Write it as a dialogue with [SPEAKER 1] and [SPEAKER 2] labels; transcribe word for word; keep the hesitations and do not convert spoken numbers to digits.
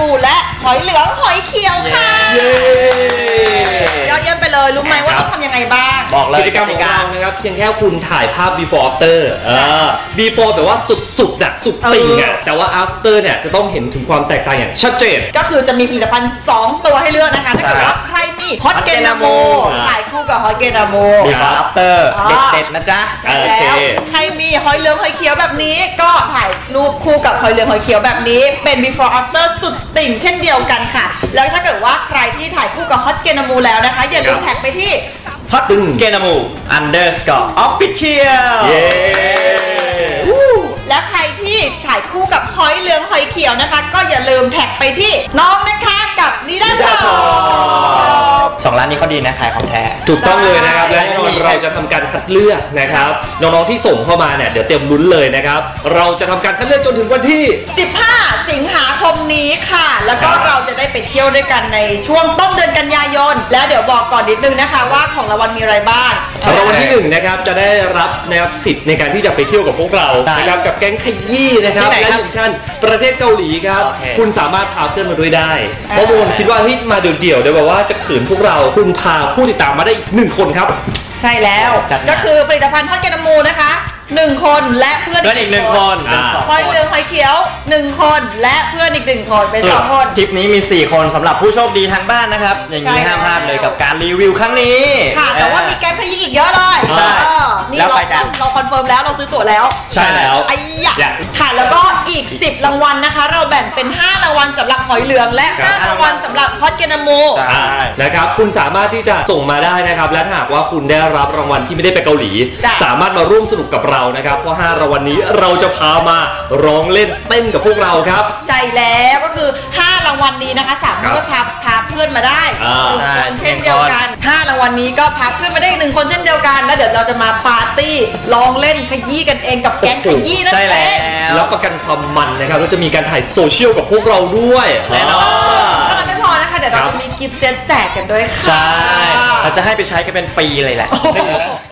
[SPEAKER 1] มูและหอยเหลืองหอยเขียวค่ะยอดเยี่ยมไปเลยรู้ไหมว่าต้องทำยังไงบ้าง
[SPEAKER 2] บอกเลยกิจกรรมของเรานะครับเพียงแค่คุณถ่ายภาพ before after เออ before แต่ว่าสุดๆนะสุดติ่งอ่ะแต่ว่า after เนี่ยจะต้องเห็นถึงความแตกต่างอย่างชัดเจน
[SPEAKER 1] ก็คือจะมีผลิตภัณฑ์สองตัวให้เลือกนะคะถ้าเกิดว่าใครมีฮอตเกนาโมถ่ายคู่กับฮอตเกนาโม
[SPEAKER 2] before after เด็ดๆนะจ๊ะ
[SPEAKER 1] แล้วใครมีหอยเหลืองหอยเขียวแบบนี้ก็ถ่ายรูปคู่กับหอยเหลืองหอยเขียวแบบนี้เป็น before after สุดติ่งเช่นเดียวกันค่ะแล้วถ้าเกิดว่าใครที่ถ่ายคู่กับฮอตเกนาโมแล้วนะคะอย่าลืมแท็กไปที่
[SPEAKER 2] ฮอตเกนาโม underscore official เย้
[SPEAKER 1] และใครที่ถ่ายคู่กับหอยเหลืองหอยเขียวนะคะก็อย่าลืมแท็กไปที่น้องนะคะกับนิดาชอ
[SPEAKER 2] สองร้านนี้เขาดีนะขายของแท้ถูกต้องเลยนะครับและแน่นอนเราจะทำการคัดเลือกนะครับน้องๆที่ส่งเข้ามาเนี่ยเดี๋ยวเตรียมลุ้นเลยนะครับเราจะทำการคัดเลือกจนถึงวันที่
[SPEAKER 1] สิบห้าสิงหาคมนี้ค่ะแล้วก็เราจะได้ไปเที่ยวด้วยกันในช่วงต้นเดือนกันยายนแล้วเดี๋ยวบอกก่อนนิดนึงนะคะว่าของรางวัลมีอะไรบ้าง
[SPEAKER 2] รางวัลที่หนึ่งนะครับจะได้รับนะครับสิทธิ์ในการที่จะไปเที่ยวกับพวกเรานะครับกับแก๊งขยี้นะครับและหนึ่งท่านประเทศเกาหลีครับคุณสามารถพาเพื่อนมาด้วยได้เพราะบางคนคิดว่าที่มาเดี่ยวๆเดี๋ยวแบบว่าจะขืนพวกเราคุณพาผู้ติดตามมาได้อีกหนึ่งคนครับ
[SPEAKER 1] ใช่แล้วก็คือผลิตภัณฑ์ฮอตเกนาโมนะคะหนึ่งคนและเพื่อน
[SPEAKER 2] อีกหนึ่งคน
[SPEAKER 1] หอยเหลืองหอยเขียวหนึ่งคนและเพื่อนอีกหนึ่งคนเป็นสองคน
[SPEAKER 2] ทริปนี้มีสี่คนสำหรับผู้โชคดีทางบ้านนะครับอย่างนี้ห้ามพลาดเลยกับการรีวิวครั้งนี้
[SPEAKER 1] ค่ะแต่ว่ามีแก๊งขยี้อีกเยอะเลย
[SPEAKER 2] ใช่
[SPEAKER 1] นี่เราเราคอนเฟิร์มแล้วเราซื้อตั๋วแล้ว
[SPEAKER 2] ใช่แล้ว
[SPEAKER 1] ไอ้ยะค่ะแล้วก็อีกสิบรางวัลนะคะเราแบ่งเป็นห้ารางวัลสำหรับหอยเหลืองและห้ารางวัลสำหรับฮอตเกนาโม
[SPEAKER 2] นะครับคุณสามารถที่จะส่งมาได้นะครับและถ้าหากว่าคุณได้รับรางวัลที่ไม่ได้ไปเกาหลีสามารถมาร่วมสนุกกับเรานะครับเพราะห้ารางวัลนี้เราจะพามาร้องเล่นเต้นกับพวกเราครับ
[SPEAKER 1] ใช่แล้วก็คือห้ารางวัลนี้นะคะสามารถพาพาเพื่อนมาได้หนึ่งคนเช่นเดียวกันห้ารางวัลนี้ก็พาเพื่อนมาได้หนึ่งคนเช่นเดียวกันแล้วเดี๋ยวเราจะมาปาร์ตี้ร้องเล่นขยี้กันเองกับแก๊งขยี้นั่นเอง
[SPEAKER 2] แล้วประกันความมันนะครับเราจะมีการถ่ายโซเชียลกับพวกเราด้วย
[SPEAKER 1] แน่นอนเท่านั้นไม่พอนะคะเดี๋ยวเราจะมีกิฟต์เซตแจกกันด้วยค่ะ
[SPEAKER 2] ใช่เราจะให้ไปใช้กันเป็นปีเลยแหละ